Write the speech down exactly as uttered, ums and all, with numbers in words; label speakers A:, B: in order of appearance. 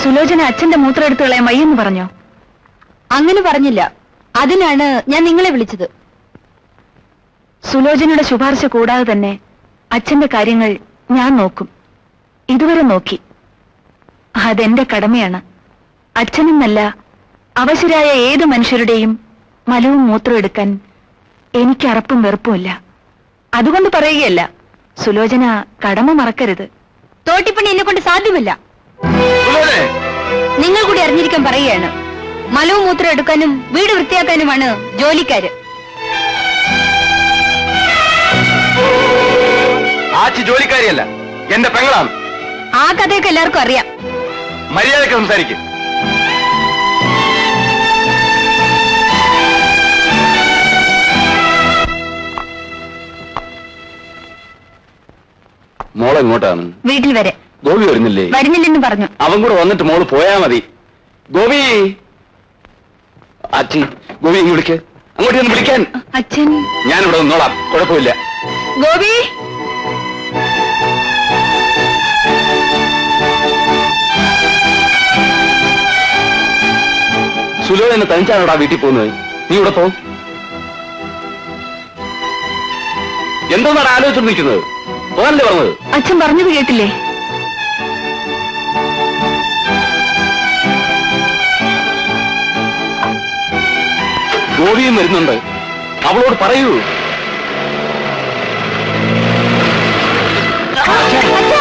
A: സുലോചന അച്ഛന്റെ മൂത്രം എടുത്തു കളയാൻ വയ്യെന്ന് പറഞ്ഞോ?
B: അങ്ങനെ പറഞ്ഞില്ല. അതിനാണ് ഞാൻ നിങ്ങളെ വിളിച്ചത്.
A: സുലോചനയുടെ ശുപാർശ കൂടാതെ തന്നെ അച്ഛന്റെ കാര്യങ്ങൾ ഞാൻ നോക്കും. ഇതുവരെ നോക്കി. അതെന്റെ കടമയാണ്. അച്ഛനെന്നല്ല, അവശരായ ഏതു മനുഷ്യരുടെയും മലവും മൂത്രവും എടുക്കാൻ എനിക്ക് അറപ്പും വെറുപ്പുമില്ല. അതുകൊണ്ട് പറയുകയല്ല, സുലോചന കടമ മറക്കരുത്.
B: തോട്ടിപ്പണി എന്നെ കൊണ്ട് സാധ്യമല്ല. നിങ്ങൾ കൂടി അറിഞ്ഞിരിക്കാൻ പറയുകയാണ്. മലവും മൂത്രം എടുക്കാനും വീട് വൃത്തിയാക്കാനുമാണ് ജോലിക്കാര്.
C: ആച്ചി ജോലിക്കാരിയല്ല, എന്റെ പെങ്ങളാണ്.
B: ആ കഥയൊക്കെ എല്ലാവർക്കും അറിയാം.
C: മര്യാദക്ക് സംസാരിക്കും. മോളെ എങ്ങോട്ടാണ്?
B: വീട്ടിൽ വരെ.
C: ഗോപി വരുന്നില്ലേ?
B: വരുന്നില്ലെന്ന് പറഞ്ഞു.
C: അവൻ കൂടെ വന്നിട്ട് മോള് പോയാ മതി. ഗോപി, ആച്ചി ഗോപി ഇങ്ങ് വിളിക്ക്. അങ്ങോട്ട് ഒന്ന് വിളിക്കാൻ.
B: അച്ഛൻ,
C: ഞാനിവിടെ നിന്നോളാം, കുഴപ്പമില്ല.
B: ഗോപി,
C: സുലോചന തനിച്ചാണോടാ വീട്ടിൽ പോകുന്നത്? നീ ഇവിടെ പോ. എന്തോന്നാണ് ആലോചിച്ചു നിൽക്കുന്നത്? പോകാനല്ലേ പറഞ്ഞത്?
A: അച്ഛൻ പറഞ്ഞത് കേട്ടില്ലേ?
C: ഗോപിയും വരുന്നുണ്ട്, അവളോട് പറയൂ.
B: അച്ഛൻ